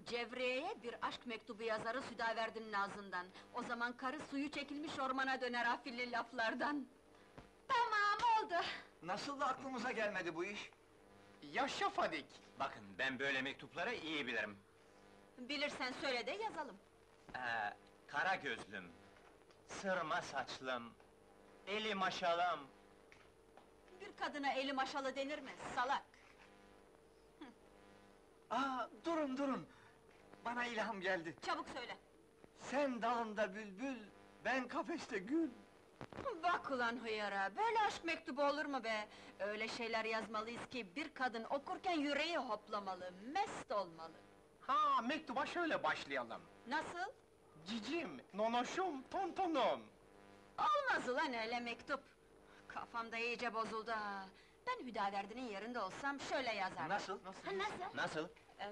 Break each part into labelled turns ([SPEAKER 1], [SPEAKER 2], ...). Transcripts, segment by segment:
[SPEAKER 1] Cevriye'ye bir aşk mektubu yazarı Südaverdi'nin ağzından. O zaman karı suyu çekilmiş ormana döner afilli laflardan. Tamam, oldu!
[SPEAKER 2] Nasıl da aklımıza gelmedi bu iş?
[SPEAKER 3] Yaşa Fadik!
[SPEAKER 4] Bakın, ben böyle mektupları iyi bilirim.
[SPEAKER 1] Bilirsen söyle de yazalım.
[SPEAKER 4] Kara gözlüm, sırma saçlım, eli maşalım.
[SPEAKER 1] Bir kadına eli maşalı denir mi, salak?
[SPEAKER 2] Durun! Bana ilham geldi.
[SPEAKER 1] Çabuk söyle!
[SPEAKER 2] Sen dalında bülbül, ben kafeste gül.
[SPEAKER 1] Bak ulan hıyara, böyle aşk mektubu olur mu be? Öyle şeyler yazmalıyız ki, bir kadın okurken yüreği hoplamalı, mest olmalı.
[SPEAKER 3] Ha, mektuba şöyle başlayalım.
[SPEAKER 1] Nasıl?
[SPEAKER 3] Cicim, nonoşum, tontonum.
[SPEAKER 1] Olmaz ulan öyle mektup! Kafam da iyice bozuldu ha! Ben Hüdaverdi'nin yerinde olsam şöyle yazardım.
[SPEAKER 2] Nasıl?
[SPEAKER 1] Nasıl?
[SPEAKER 4] Nasıl?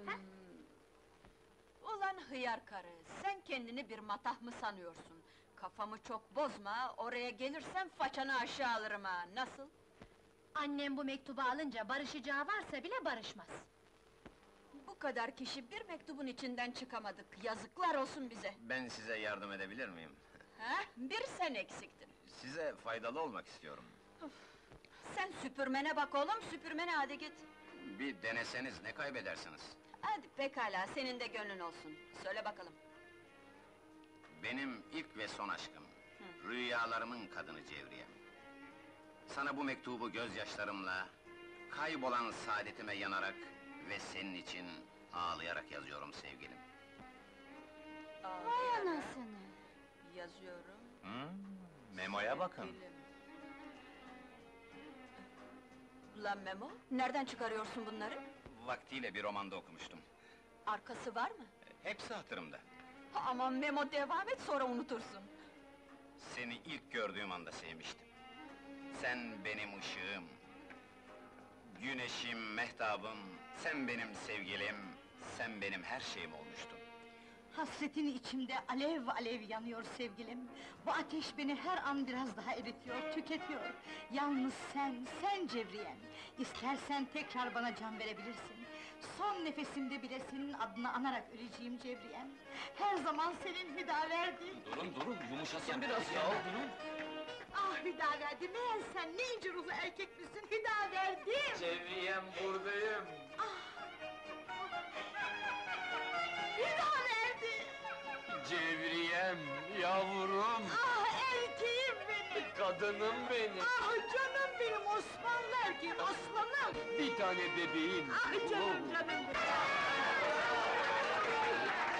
[SPEAKER 1] Ulan hıyar karı, sen kendini bir matah mı sanıyorsun? Kafamı çok bozma, oraya gelirsen façanı aşağı alırım ha, nasıl?
[SPEAKER 5] Annem bu mektubu alınca barışacağı varsa bile barışmaz.
[SPEAKER 1] Bu kadar kişi bir mektubun içinden çıkamadık, yazıklar olsun bize!
[SPEAKER 6] Ben size yardım edebilir miyim?
[SPEAKER 1] Ha? Bir sen eksiktin!
[SPEAKER 6] Size faydalı olmak istiyorum.
[SPEAKER 1] Sen süpürmene bak oğlum, süpürmene hadi git!
[SPEAKER 6] Bir deneseniz ne kaybedersiniz?
[SPEAKER 1] Hadi pekala, senin de gönlün olsun, söyle bakalım!
[SPEAKER 6] Benim ilk ve son aşkım, rüyalarımın kadını Cevriyem. Sana bu mektubu gözyaşlarımla, kaybolan saadetime yanarak ve senin için ağlayarak yazıyorum sevgilim.
[SPEAKER 1] Vay anasını! Yazıyorum...
[SPEAKER 4] Memoya bakın.
[SPEAKER 1] sevgilim. Ulan Memo, nereden çıkarıyorsun bunları?
[SPEAKER 6] Vaktiyle bir romanda okumuştum.
[SPEAKER 1] Arkası var mı?
[SPEAKER 6] Hepsi hatırımda.
[SPEAKER 1] Aman Memo, devam et, sonra unutursun!
[SPEAKER 6] Seni ilk gördüğüm anda sevmiştim. Sen benim ışığım, güneşim, mehtabım, sen benim sevgilim, sen benim her şeyim olmuştun.
[SPEAKER 7] Hasretin içimde alev alev yanıyor sevgilim. Bu ateş beni her an biraz daha eritiyor, tüketiyor. Yalnız sen Cevriyem. İstersen tekrar bana can verebilirsin. Son nefesimde bile senin adını anarak öleceğim Cevriyem. Her zaman senin Hüdaverdi.
[SPEAKER 4] Durun, yumuşasın biraz ya, durun!
[SPEAKER 7] Ah Hüdaverdi, meğer sen ne ince ruhlu erkek misin Hüdaverdi!
[SPEAKER 4] Cevriyem, buradayım!
[SPEAKER 7] Hüdaverdi!
[SPEAKER 4] Cevriyem, yavrum!
[SPEAKER 7] Ah erkeğim benim!
[SPEAKER 4] Kadınım benim!
[SPEAKER 7] Ah canım benim, Osmanlı erkeğim, aslanım!
[SPEAKER 4] Bir tane bebeğim!
[SPEAKER 7] Ah canım benim!